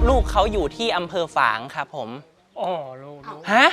ลูกเขาอยู่ที่อำเภอฝางครับผมอ๋อรู้ฮะ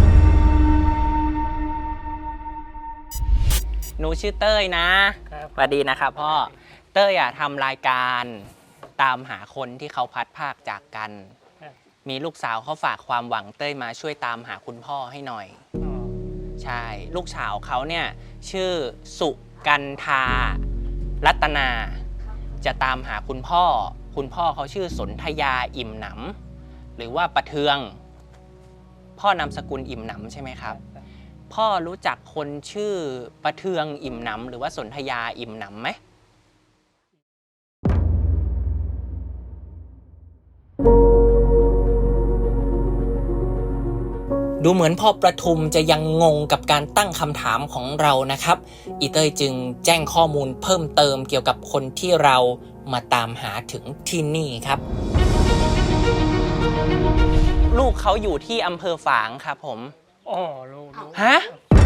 หนูชื่อเต้ยนะสวัสดีนะครับพ่อเต้ยทำรายการตามหาคนที่เขาพัดภาคจากกันมีลูกสาวเขาฝากความหวังเต้ยมาช่วยตามหาคุณพ่อให้หน่อยใช่ลูกสาวเขาเนี่ยชื่อสุกันทารัตนาจะตามหาคุณพ่อเขาชื่อสนธยาอิ่มหนำหรือว่าประเทืองพ่อนามสกุลอิ่มหนำใช่ไหมครับพ่อรู้จักคนชื่อประเทืองอิ่มหนำหรือว่าสนธยาอิ่มหนำไหมดูเหมือนพ่อประทุมจะยังงงกับการตั้งคำถามของเรานะครับอีเต้ยจึงแจ้งข้อมูลเพิ่มเติมเกี่ยวกับคนที่เรามาตามหาถึงที่นี่ครับลูกเขาอยู่ที่อำเภอฝางครับผมอ๋อรู้ฮะ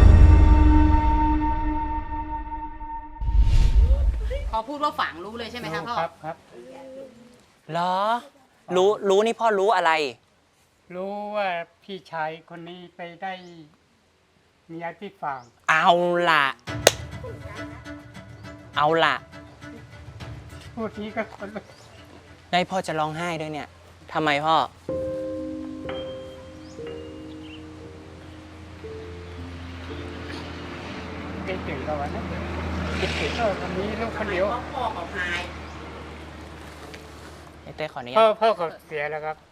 พอพูดว่าฝางรู้เลยใช่ไหมครับพ่อครับเหรอรู้นี่พ่อรู้อะไรรู้ว่าพี่ชายคนนี้ไปได้เมียที่ฝางเอาล่ะพูดทีก็คนลุกนายพ่อจะร้องไห้ด้วยเนี่ยทำไมพ่อคิดถึงตะวันนั้นคิดถึงวันนี้ลูกคนเดียวพ่อเขาหายไอ้เต้ขอนี้พ่อเขาเสียแล้วครับ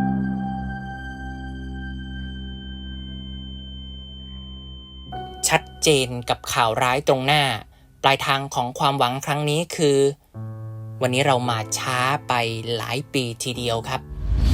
ชัดเจนกับข่าวร้ายตรงหน้าปลายทางของความหวังครั้งนี้คือวันนี้เรามาช้าไปหลายปีทีเดียวครับ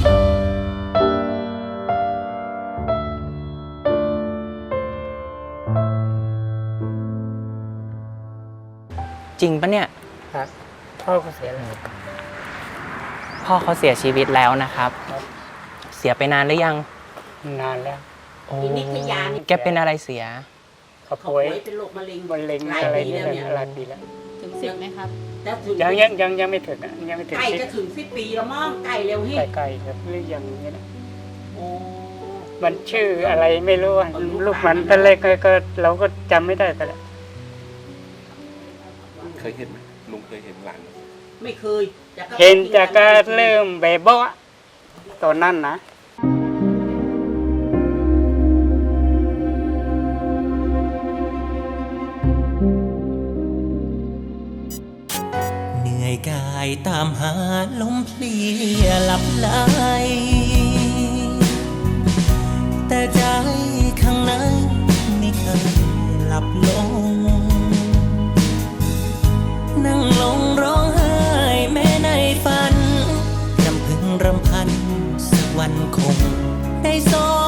จริงปะเนี่ยครับพ่อเขาเสียแล้วพ่อเขาเสียชีวิตแล้วนะครับเสียไปนานหรือยังนานแล้วแกเป็นอะไรเสียเขาป่วยเป็นโรคมะเร็งอะไรนี่หลายปีแล้วถึง10ไหมครับยังไม่ถึงยังไม่ถึงไก่จะถึง10 ปีแล้วมั้งไก่เร็วที่ไก่ครับหรือยังนี้นะมันชื่ออะไรไม่รู้ลูกมันตอนแรกก็เราก็จำไม่ได้แต่ละเคยเห็นไหมลุงเคยเห็นหลานไม่เคยเห็นจากการเริ่มแบบว่าตอนนั้นนะเหนื่อยกายตามหาลมเพลียหลับไหลแต่ใจข้างในไม่เคยหลับลงนั่งลงร้องไห้แม้ในฝันรำพึงรำพันสักวันคงได้ส